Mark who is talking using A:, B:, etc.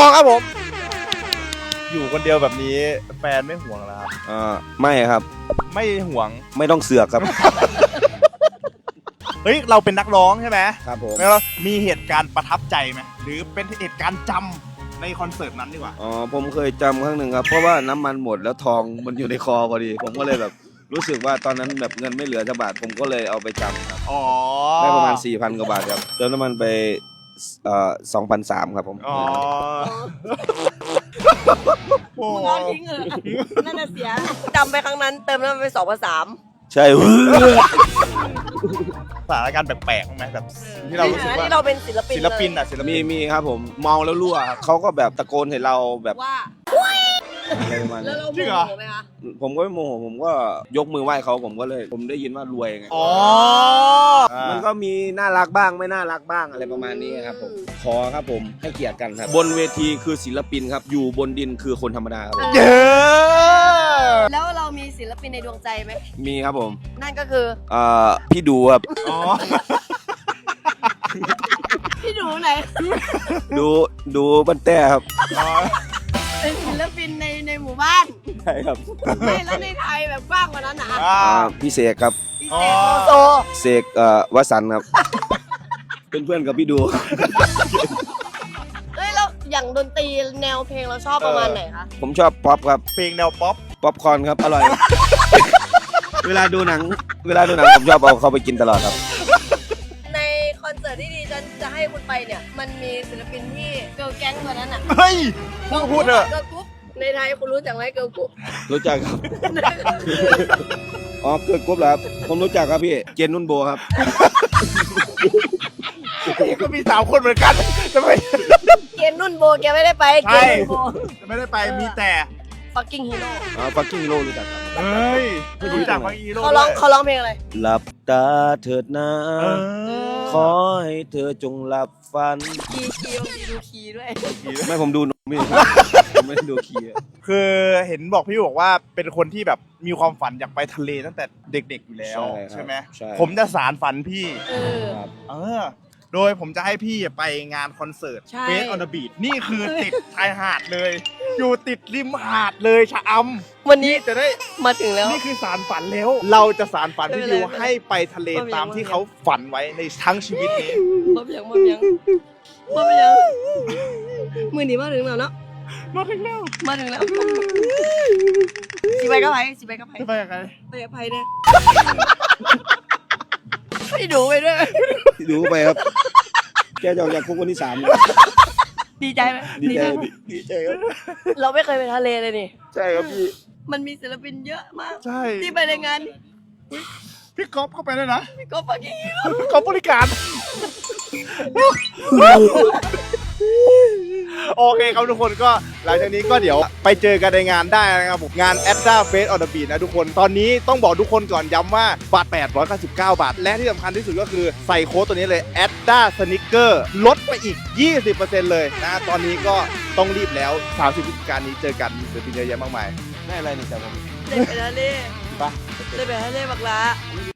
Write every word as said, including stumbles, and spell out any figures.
A: มองครับผมอยู่คนเดียวแบบนี้แฟนไม่ห่วงเหรอครับ
B: อ่าไม่ครับ
A: ไม่ห่วง
B: ไม่ต้องเสือกครับ
A: เฮ้ยเราเป็นนักร้องใช่ไหม
B: ครับผม
A: แล้วมีเหตุการณ์ประทับใจไหมหรือเป็นเหตุการณ์จำในคอนเสิร์ตนั้นดีกว่า
B: อ๋อผมเคยจำครั้งหนึ่งครับเพราะว่าน้ำมันหมดแล้วทองมันอยู่ในคอพอดีผมก็เลยแบบรู้สึกว่าตอนนั้นแบบเงินไม่เหลือสักบาทผมก็เลยเอาไปจำครับ
A: อ๋อ
B: ได้ประมาณ สี่พัน กว่าบาทครับเติมน้ำมันไปเอ่อ สองพันสามร้อย ครับผม
A: อ๋อ
C: มึงเอาทิ้งเออนั่นน่ะเสียจำไปครั้งนั้นเติมน้ำมันไปสองพันสาม
B: ใช่
A: สถานการณ์แปลกๆไหมแบบที่เรารู้สึกว่า
C: ที่เราเป็นศิลปิน
A: ศิลปินอ่ะศิลปิ
B: มี
A: น
B: มีครับผมเมาแล้วรั่วเขาก็แบบตะโกนให้เราแบบ
C: ว่า
B: อะไรประมาณ
C: แล้ว
B: นี้
C: เราโมโหไหมคะ
B: ผมก็ไม่โมโหผมก็ยกมือไหว้เขาผมก็เลยผมได้ยินว่ารวยไง
A: อ๋อ
B: มันก็มีน่ารักบ้างไม่น่ารักบ้างอะไรประมาณนี้ครับผมขอครับผมให้เกียรติกันครับบนเวทีคือศิลปินครับอยู่บนดินคือคนธรรมดาครับผม
A: เย้
C: แล้วเรามีศิลปินในดวงใจไหม
B: มีครับผม
C: นั่นก็คือ
B: เอ่อพี่ดูครับ
A: อ๋อ
C: พี่ดูไหน
B: ดูดูบันแต้ครับ
C: เป็นศิลปินในในหมู่บ้าน
B: ใช่ครับ
C: ไม่แล้วในไทยแบบกว้างกว่านั้นนะ
B: อ่าพี่เสกครับ
C: พี่เสกโลโซ
B: เสกเอ่อวสันต์ครับเป็นเพื่อนกับพี่ดู
C: เฮ้ยแล้วอย่างดนตรีแนวเพลงเราชอบประมาณไหนคะ
B: ผมชอบป๊อปครับ
A: เพลงแนวป๊อป
B: ป๊อปคอร์นครับอร่อย เวลาดูหนังเวลาดูหนังผมชอบเอาเข้าไปกินตลอดครับ
C: ในคอนเสิร์ตที่ดีฉันจะให้คุณไปเนี่ยมันมีศิลปินที่เกิร์ลแก๊งตัวนั้นอ่ะ
A: เฮ้ยพูดพูดเถอะ
C: เกิร์ลกรุ๊ปในไทยคุณรู้จักไหมเกิร์ลกรุ๊ป
B: รู้จักครับอ๋อเกิดกรุ๊ปเหรอครับผมรู้จักครับพี่เจนนุ่นโบครับ
A: ก็มีสามคนเหมือนกันทำไม
C: เกมนุ่นโบแกไม่ได้ไปเกมนุ่นโบ
A: ไม่ได้ไปมีแต่
C: fucking hero
B: อ๋อ fucking hero รู้จักครับ
A: เฮ้ยรู้จัก fucking hero
C: เขาร้องเขาร้องเพลงอะไร
B: หลับตาเถิดนะขอให้เธอจงหลับฝัน
C: คีย์คีย์บางทีดูคีย์ด้วย
B: ไม่ผมดูไม่ผมไม่ดูคีย์
A: คือเห็นบอกพี่บอกว่าเป็นคนที่แบบมีความฝันอยากไปทะเลตั้งแต่เด็กๆอยู่แล้วใช่ไหมผมจะสารฝันพี่เออโดยผมจะให้พี่ไปงานคอนเสิร์ตเฟสออนเดอะบีชนี่คือติดชายหาดเลยอยู่ติดริมหาดเลยชะอำ
C: วันนี้
A: จะได้
C: มาถึงแล้ว
A: นี่คือสารฝันแล้วเราจะสารฝันพี่ดิวให้ไปทะเลตามที่เขาฝันไว้ในทั้งชีวิตนี้
C: มาเพียงมาเพียงมาเพียงมือหนีมาถึงแล้วเนาะ
A: มาถึงแล้ว
C: มาถึงแล้วสิไปกับไผสิไปกับไผ
A: ไปกับใคร
C: ไปกับไผเนี่ยพี่ดูไปด้วย
B: ดูไปครับแกจะออกจากคุกวันที่สาม
C: ดีใจไหม
B: ดีใจดีใจครับ
C: เราไม่เคยไปทะเลเลยนี่
B: ใช่ครับพี่
C: มันมีศิลปินเยอะมาก
A: ใช่
C: ที่ไปในงาน
A: พี่ก๊อฟเข้าไปเลยนะ
C: พี่ก๊อฟฟังกี้
A: พี่ก๊อฟบริการโอเคครับทุกคนก็หลังจากนี้ก็เดี๋ยวไปเจอกันในงานได้นะครับผมงาน Adda Face on the Beach นะทุกคนตอนนี้ต้องบอกทุกคนก่อนย้ำว่าบัตรแปดร้อยเก้าสิบเก้าบาทและที่สำคัญที่สุดก็คือใส่โค้ดตัวนี้เลย Adda Sneaker ลดไปอีก ยี่สิบเปอร์เซ็นต์ เลยนะตอนนี้ก็ต้องรีบแล้วสามสิบพฤศจิกายนนี้เจอกันศิลปินเยอะแยะมากมาย
B: ไม่อะไรนี่จ้ะผม
C: เล่นไปทะเล
A: ไป
C: เล่นไปทะเลบักละ